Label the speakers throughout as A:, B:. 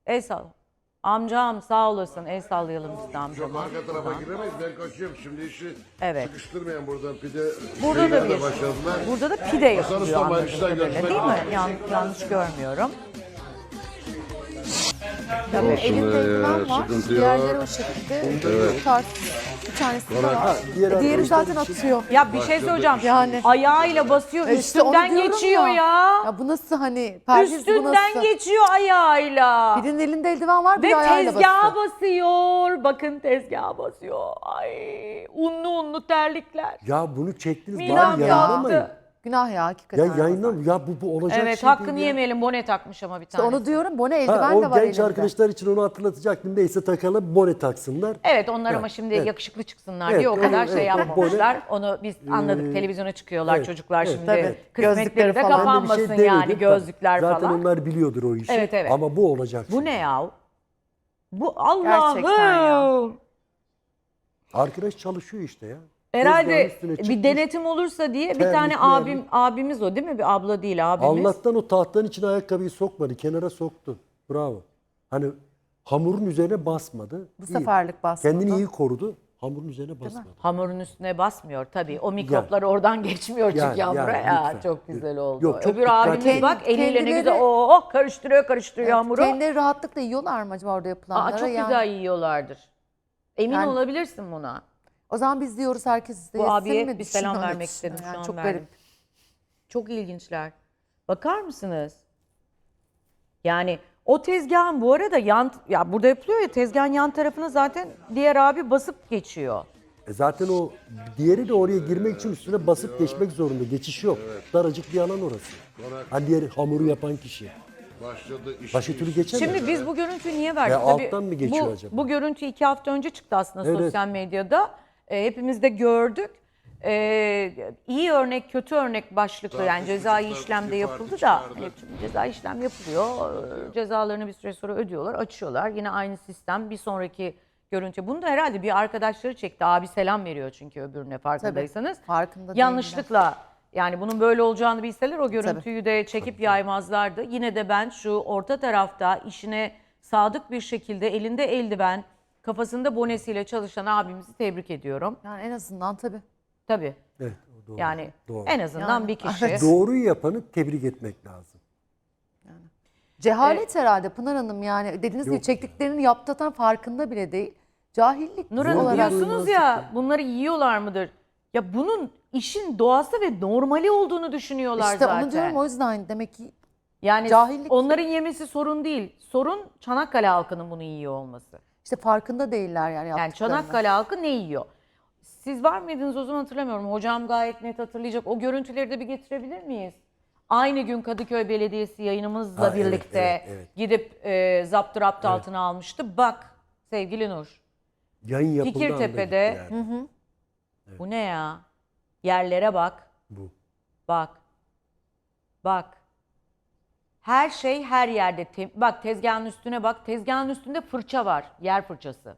A: El sal. Amcam sağ olasın. El sallayalım biz de
B: Çok
A: amcama.
B: arka tarafa giremeyiz. Ben kaçıyorum. Şimdi işi
A: Evet.
B: sıkıştırmayan buradan pide
A: Burada da
B: şeylerle
A: bir,
B: başladılar.
A: burada da pide yapılıyor
B: Usta
A: anladığım
B: Mayıs'ta
A: kadarıyla,
B: görüşmek
A: değil mi?
B: üzere.
A: Yanlış görmüyorum.
C: Tabii
B: Olsun
C: elinde
B: ya,
C: eldiven var.
B: sıkıntı
C: Diğerleri
B: yok.
C: o şekilde. Bu tarz bir tanesi de var.
D: Diğer
C: Zaten
D: arkadaşlar için-
C: atıyor.
A: Ya bir şey söyleyeceğim.
C: Yani.
A: Ayağıyla basıyor,
C: İşte onu
A: üstünden
C: diyorum
A: geçiyor ya.
C: Ya bu nasıl hani perhiz bu
A: Üstünden
C: nasıl?
A: geçiyor ayağıyla.
C: Birinin elinde eldiven var,
A: Ve
C: biri ayağıyla
A: tezgaha
C: basıyor.
A: basıyor. Bakın tezgaha basıyor. Ay unlu terlikler.
D: Ya bunu çektiniz
A: Milan
D: bari yayınlamayın.
A: yaptı.
C: Günah ya hakikaten.
D: Ya yayınlam. Ya bu olacak
A: Evet
D: şey
A: hakkını
D: değil ya.
A: yemeyelim. Bone takmış ama bir
C: İşte
A: tane.
C: onu diyorum, bu ne
D: Ha,
C: eldiven de
D: o
C: var
D: genç
C: elinde.
D: arkadaşlar için onu hatırlatacaktım. Neyse takalım, bone taksınlar.
A: Evet onlar ama
D: Evet,
A: şimdi
D: evet.
A: yakışıklı çıksınlar
D: Evet,
A: diye o kadar
D: evet,
A: şey
D: evet,
A: yapmamışlar. Onu biz anladık. Televizyona çıkıyorlar
D: evet,
A: çocuklar
D: evet.
A: şimdi.
C: Tabii.
A: Kısmetleri
C: Gözlükleri
A: de
C: falan.
D: Ben de bir
A: kapanmasın
D: şey
A: yani
D: demedim.
A: gözlükler
D: Zaten
A: falan.
D: onlar biliyordur o işi.
A: Evet, evet.
D: Ama bu olacak.
A: Bu ne ya? Bu
C: Gerçekten ya.
A: Allah'ım.
D: Arkadaş çalışıyor işte ya.
A: Herhalde
D: Tezgahın üstüne
A: bir
D: çıkmış.
A: denetim olursa diye bir
D: Terlikli
A: tane abimiz o değil mi? Bir abla değil abimiz.
D: Allah'tan o tahtanın içine ayakkabıyı sokmadı. Kenara soktu. Bravo. Hani hamurun üzerine basmadı.
C: Bu
D: İyi.
C: seferlik basmadı.
D: Kendini iyi korudu. Hamurun üzerine basmadı.
A: Hamurun üstüne basmıyor tabii. O mikroplar oradan geçmiyor çünkü
D: Yani,
A: hamura.
D: yani,
A: Ya,
D: lütfen.
A: çok güzel oldu.
D: Yok, çok
A: Öbür
D: dikkatli.
A: abimiz bak eliyle ne
C: Kendileri-
A: güzel karıştırıyor hamuru.
C: Kendileri rahatlıkla yiyorlar mı acaba orada yapılanları?
A: Aa, çok
C: Yani
A: güzel yiyorlardır. Emin
C: Yani-
A: olabilirsin buna.
C: O zaman biz diyoruz herkes de
A: Bu
C: yesin
A: abiye
C: mi?
A: bir selam
C: Düşünüyorum,
A: vermek istedim
C: düşünüyorum.
A: şu an
C: Çok
A: verdim.
C: garip.
A: Çok ilginçler. Bakar mısınız? Yani o tezgahın bu arada ya burada yapılıyor ya tezgahın yan tarafına zaten diğer abi basıp geçiyor.
D: Zaten o diğeri de oraya girmek için üstüne basıp geçmek zorunda. Geçiş yok. Daracık bir alan orası. Hani diğer hamuru yapan kişi.
B: Başladı iş.
D: Başka türlü geçemez.
A: Şimdi biz bu görüntüyü niye verdik?
D: Ya
A: Tabii
D: alttan mı geçiyor acaba?
A: Bu görüntü 2 hafta önce çıktı aslında
D: Evet.
A: sosyal medyada. Hepimiz de gördük. İyi örnek, kötü örnek başlıklı yani cezai işlemde yapıldı da hani cezai işlem yapılıyor. Cezalarını bir süre sonra ödüyorlar, açıyorlar. Yine aynı sistem bir sonraki görüntü. Bunu da herhalde bir arkadaşları çekti. Abi selam veriyor çünkü öbürüne farkındaysanız.
C: farkında değiller.
A: Yanlışlıkla yani bunun böyle olacağını bilseler o görüntüyü de çekip yaymazlardı. Yine de ben şu orta tarafta işine sadık bir şekilde elinde eldiven, kafasında bonesiyle çalışan abimizi tebrik ediyorum.
C: Yani en azından tabii.
A: Tabii.
D: Evet, o doğru.
A: Yani
D: Doğru.
A: en azından
C: Yani,
A: bir kişi.
C: evet.
D: Doğruyu yapanı tebrik etmek lazım.
C: Cehalet herhalde Pınar Hanım, yani dediğiniz gibi
D: Yok.
C: çektiklerini yaptıktan farkında bile değil. Cahillik
A: Nur Hanım
C: olarak.
A: diyorsunuz ya bunları yiyorlar mıdır? Ya bunun işin doğası ve normali olduğunu düşünüyorlar
C: İşte
A: zaten.
C: onu diyorum, o yüzden demek ki
A: Yani
C: cahillik.
A: onların yemesi sorun değil. Sorun Çanakkale halkının bunu yiyor olması.
C: işte farkında değiller yani
A: Yani
C: yaptıklarının.
A: Çanakkale halkı ne yiyor? Siz var mıydınız o zaman hatırlamıyorum. Hocam gayet net hatırlayacak. O görüntüleri de bir getirebilir miyiz? Aynı gün Kadıköy Belediyesi yayınımızla
D: Ha, evet,
A: birlikte
D: evet.
A: gidip zapturapt altına almıştı. Bak sevgili Nur.
D: Yayın yapıldığı anda
A: Fikirtepe'de
D: gitti yani.
A: bu ne ya? Yerlere bak.
D: Bu.
A: Bak. Bak. Her şey her yerde. Bak tezgahın üstüne bak. Tezgahın üstünde fırça var. Yer fırçası.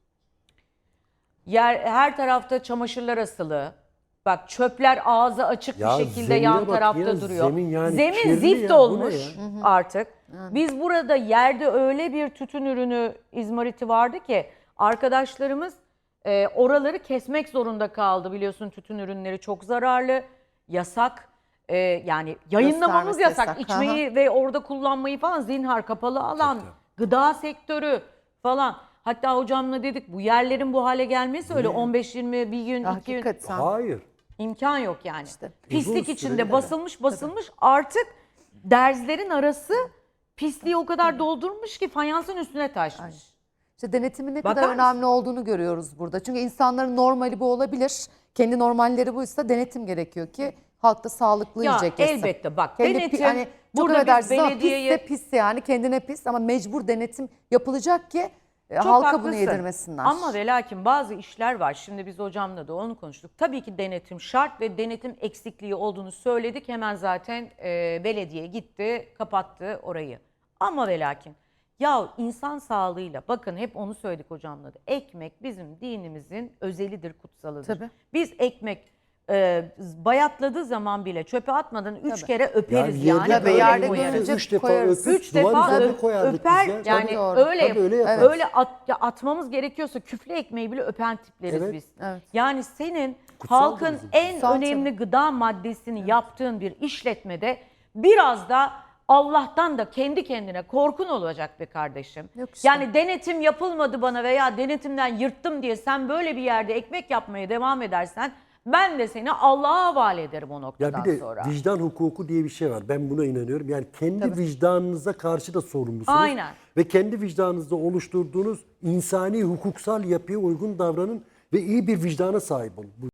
A: Her tarafta çamaşırlar asılı. Bak çöpler ağzı açık
D: Ya
A: bir şekilde
D: zemine
A: yan
D: bak
A: tarafta
D: ya,
A: duruyor.
D: zemin yani
A: Zemin
D: kirli
A: zift
D: ya, bu ne
A: olmuş
D: ya?
A: artık. Biz burada yerde öyle bir tütün ürünü izmariti vardı ki arkadaşlarımız oraları kesmek zorunda kaldı. Biliyorsun tütün ürünleri çok zararlı, yasak. Yani yayınlamamız
C: Göstermesi
A: yasak.
C: yasak,
A: İçmeyi ve orada kullanmayı falan zinhar kapalı alan, gıda sektörü falan. Hatta hocamla dedik bu yerlerin bu hale gelmesi öyle 15-20 bir gün, 2 gün
C: Hakikaten.
D: Hayır.
A: imkan yok yani.
C: İşte.
A: Pislik
D: Uzun
A: içinde
D: süredir.
A: basılmış artık derzlerin arası pisliği o kadar doldurmuş ki fayansın üstüne taşmış.
C: İşte denetimin ne
A: Bakar
C: kadar
A: mısın?
C: önemli olduğunu görüyoruz burada. Çünkü insanların normali bu olabilir. Kendi normalleri buysa denetim gerekiyor ki halk da sağlıklı
A: Ya
C: yiyecek yesin.
A: elbette bak
C: Kendi
A: denetim
C: hani çok
A: burada biz
C: affedersiniz ama
A: belediyeye
C: pisse pis, yani kendine pis ama mecbur denetim yapılacak ki
A: çok
C: halka
A: haklısın.
C: bunu yedirmesinler.
A: Ama ve lakin bazı işler var. Şimdi biz hocamla da onu konuştuk. Tabii ki denetim şart ve denetim eksikliği olduğunu söyledik. Hemen zaten belediye gitti, kapattı orayı. Ama ve lakin ya insan sağlığıyla bakın hep onu söyledik hocamla da. Ekmek bizim dinimizin özelidir, kutsalıdır.
C: Tabii.
A: Biz ekmek bayatladığı zaman bile çöpe atmadan 3
C: Tabii.
A: kere öperiz
D: Yani
A: yani.
C: Tabii,
A: öyle
C: yerde
A: koyarız.
C: görünce
D: 3 defa
C: koyarız.
D: öpüp
A: 3
D: duvar
A: defa
D: üzerine koyardık
A: öper
D: biz ya.
A: yani
C: Tabii, doğru.
A: öyle
D: Tabii öyle yaparız.
A: öyle atmamız gerekiyorsa küflü ekmeği bile öpen tipleriz
D: Evet.
A: biz.
C: Evet.
A: Yani senin
D: Kutsal
A: halkın
D: bizim.
A: en
C: Kutsal
A: önemli gıda maddesini yaptığın bir işletmede biraz da Allah'tan da kendi kendine korkun olacak be kardeşim.
C: Yok işte.
A: Yani denetim yapılmadı bana veya denetimden yırttım diye sen böyle bir yerde ekmek yapmaya devam edersen ben de seni Allah'a havale ederim o
D: Ya
A: noktadan
D: bir de
A: sonra.
D: vicdan hukuku diye bir şey var. Ben buna inanıyorum. Yani kendi vicdanınıza karşı da sorumlusunuz.
A: Aynen.
D: Ve kendi vicdanınızda oluşturduğunuz insani hukuksal yapıya uygun davranın ve iyi bir vicdana sahip olun.